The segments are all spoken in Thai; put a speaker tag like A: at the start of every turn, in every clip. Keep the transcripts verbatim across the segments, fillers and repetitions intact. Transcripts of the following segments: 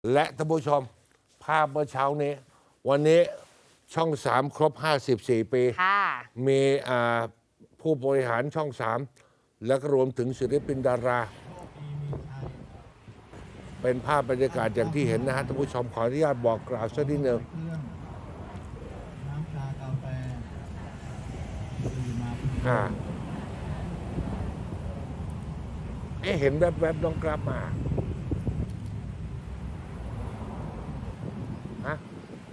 A: และท่านผู้ชมภาพเมื่อเช้านี้วันนี้ช่องสามครบห้าสิบสี่ปีมีผู้บริหารช่องสามและก็รวมถึงศิลปินดาราเป็นภาพบรรยากาศอย่างที่เห็นนะฮะท่านผู้ชมขออนุญาตบอกกล่าวสักนิดหนึ่งอ่าเอ๊ะเห็นแวบๆน้องกลับมาฮะ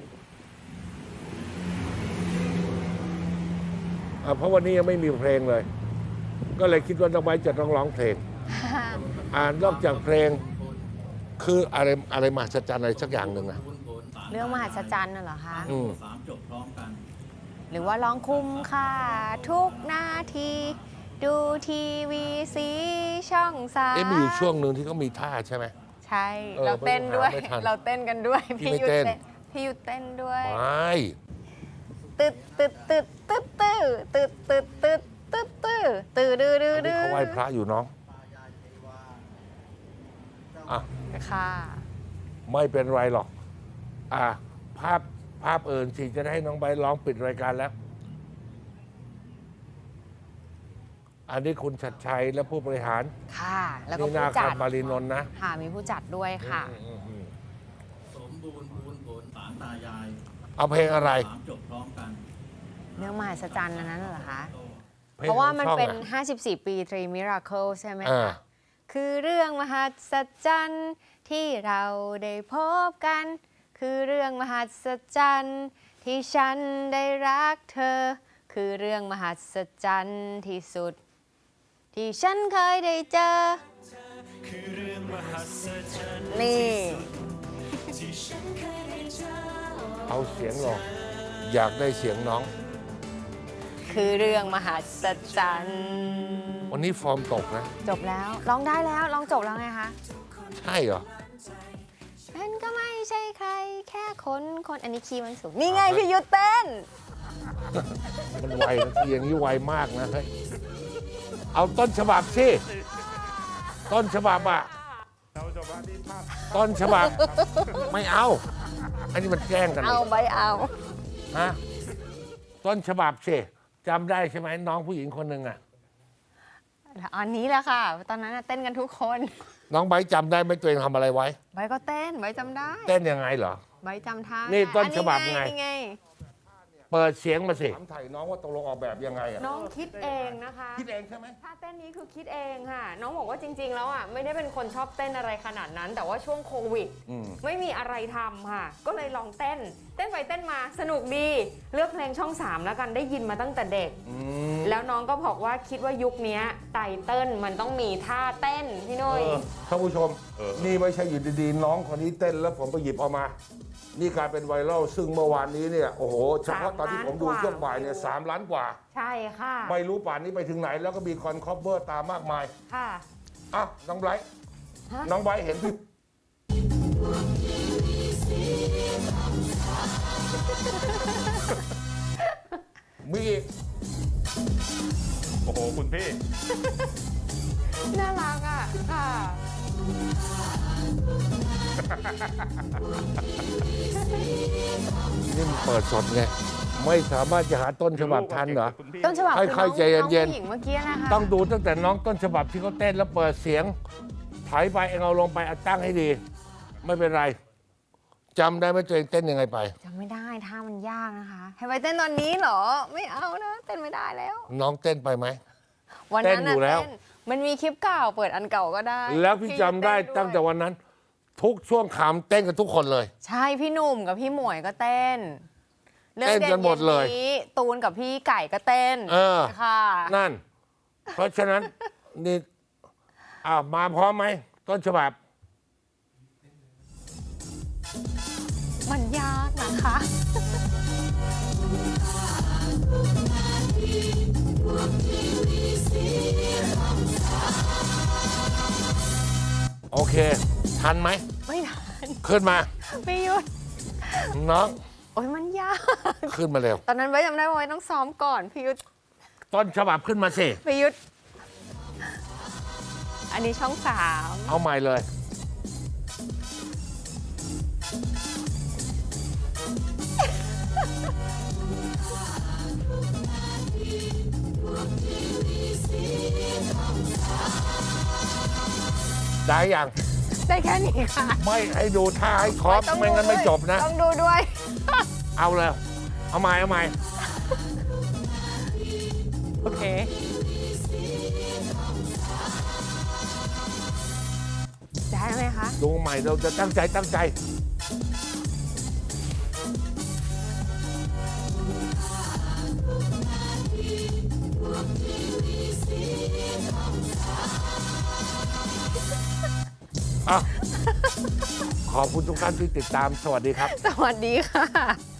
A: เพราะวันนี้ยังไม่มีเพลงเลยก็เลยคิดว่าน้องไบร์ทจะต้องร้องเพลงอ่านอกจากเพลงคืออะไรอะไรมหัศจรรย์อะไรสักอย่างหนึ่งนะ
B: เรื่องมหัศจรรย์น่ะเหรอคะ
A: อืม
B: หรือว่าร้องคุ้มค่าทุกนาทีดูทีวีสีช่องสาม
A: เอ๊ะมีอยู่ช่วงหนึ่งที่เขามีท่าใช่ไหม
B: ใช่เราเต้นด้วยเราเต้นกันด้วย
A: พี่ยุทธเต้น
B: พี่ยุทธเต้นด้วย
A: ไม่
B: ตึ๊ดตึ๊ดตึ๊ดตึ๊ดตึ๊ดตึ๊ดตึ๊ดตึ๊ดตึ๊ดตึ๊ดตึ๊ดดื้อดื้อดื้อ
A: เขาไหว้พระอยู่น้องอ่ะ
B: ค่ะ
A: ไม่เป็นไรหรอกอ่ะภาพภาพเอิญสิจะได้ให้น้องใบร้องปิดรายการแล้วอันนี้คุณชัดชัยและผู้บริหาร
B: ค่ะแล้วก็ผู้จัด
A: มารีนนท์นะ
B: ค่ะมีผู้จัดด้วยค่ะ
C: สมบูรณ์บูรณ์ผลสารตายาย
A: เอาเพลงอะไร
C: จบพร้อมกัน
B: เรื่องมหัศจรรย์นั้นเหรอคะเพราะว่ามันเป็นห้าสิบสี่ปีทรีมิราเคิลใช่ไหมคะคือเรื่องมหัศจรรย์ที่เราได้พบกันคือเรื่องมหัศจรรย์ที่ฉันได้รักเธอคือเรื่องมหัศจรรย์ที่สุดที่ฉันเคยได้เจอนี่
A: เอาเสียงหรออยากได้เสียงน้อง
B: คือเรื่องมหัศจรรย์
A: วันนี้ฟอร์มตกนะ
B: จบแล้วร้องได้แล้วร้องจบแล้วไงคะ
A: ใช่เหรอ
B: ฉันก็ไม่ใช่ใครแค่คนคนอันนี้คีย์มันสูงนี่ไงพี่ยุทธเต้น
A: มันไวนะทีอย่างนี้ไวมากนะเฮ้ยเอาต้นฉบับสิต้นฉบับอะต้นฉบับไม่เอาอันนี้มันแกล้งกัน
B: เอาไปเอา
A: ฮะต้นฉบับสิจำได้ใช่ไหมน้องผู้หญิงคนหนึ่งอะ
B: อันนี้แหละค่ะตอนนั้นเต้นกันทุกคน
A: น้องไบร์ทจำได้ไหมตัวเองทำอะไรไว้
B: ไบร์ทก็เต้นไบร์ทจำได้
A: เต้นยังไงเหรอ
B: ไบร์ทจำท่า
A: นี่ต้นฉบับไงเปิดเสียงมาสิถามไถ่น้องว่าตกลงออกแบบยังไงอะ
B: น้องคิดเองนะคะ
A: คิดเองใช่ไหม
B: ท่าเต้นนี้คือคิดเองค่ะน้องบอกว่าจริงๆแล้วอ่ะไม่ได้เป็นคนชอบเต้นอะไรขนาดนั้นแต่ว่าช่วงโควิดไม่มีอะไรทำค่ะก็เลยลองเต้นเต้นไปเต้นมาสนุกดีเลือกเพลงช่องสามแล้วกันได้ยินมาตั้งแต่เด็กแล้วน้องก็บอกว่าคิดว่ายุคนี้ไตเติ้ลมันต้องมีท่าเต้นพี่นุ้ย
A: ท่านผู้ชมนี่ไม่ใช่อยู่ดีๆน้องคนนี้เต้นแล้วผมไปหยิบเอามานี่กลายเป็นไวรัลซึ่งเมื่อวานนี้เนี่ยโอ้โหเฉพาะตอนที่ผมดูช่วงบ่ายเนี่ยสามล้านกว่า
B: ใช่ค่ะ
A: ไม่รู้ป่านนี้ไปถึงไหนแล้วก็มีคอนคอฟเวอร์ตามมากมาย
B: ค่ะ
A: อ่ะน้องไบร์ทน้องไบร์ทเห็นพี่มีอีก
C: โอ้โหคุณพี่
B: น่ารักอ่ะค่ะ
A: นี่มันเปิดสดไงไม่สามารถจะหาต้นฉบับทันเหรอ
B: ต้นฉบับ
A: ค่อยๆใจเย็น
B: ๆเมื่อกี้นะคะ
A: ต้องดูตั้งแต่น้องต้นฉบับที่เขาเต้นแล้วเปิดเสียงถอยไปเองเอาลงไปตั้งให้ดีไม่เป็นไรจำได้ไหมตัวเองเต้นยังไงไป
B: จำไม่ได้ท่ามันยากนะคะให้ไปเต้นตอนนี้เหรอไม่เอานะเต้นไม่ได้แล้ว
A: น้องเต้นไปไหม
B: วันนั้นอยู่แล้วมันมีคลิปเก่าเปิดอันเก่าก็ได้
A: แล้วพี่จำได้ตั้งแต่วันนั้นทุกช่วงขำเต้นกันทุกคนเลย
B: ใช่พี่หนุ่มกับพี่หมวยก็เต้น
A: เต้นกันหมดเลย
B: ตูนกับพี่ไก่ก็เต้น
A: เออ
B: ค่ะ
A: นั่นเพราะฉะนั้นนี่อ้าวมาพร้อมไหมต้นฉบับ
B: มันยากนะคะ
A: โอเคทันไหม
B: ไม่ทัน
A: ขึ้นมา
B: พี่ยุทธ
A: น้อง
B: โอ้ยมันยาก
A: ขึ้นมาเร็ว
B: ตอนนั้นไว้จำได้ว่าต้องซ้อมก่อนพี่ยุทธ
A: ต้นฉบับขึ้นมาสิ
B: พี่ยุทธอันนี้ช่องสาม
A: เอาใหม่เลยได้ยัง
B: ได้แค่นี้ค่ะ
A: ไม่ให้ดูท่าให้ครบ
B: ต้อง
A: ไม่งั้น
B: ดู
A: ไม่
B: ด้วย
A: จบนะ
B: ต้องดูด้วย
A: เอาเลย เอาใหม่เอาใหม่
B: โอเค ได้ไหมคะ
A: ดูใหม่เราจะตั้งใจตั้งใจ อ่ะ ขอบคุณทุกท่านที่ติดตาม สวัสดีครับ
B: สวัสดีค่ะ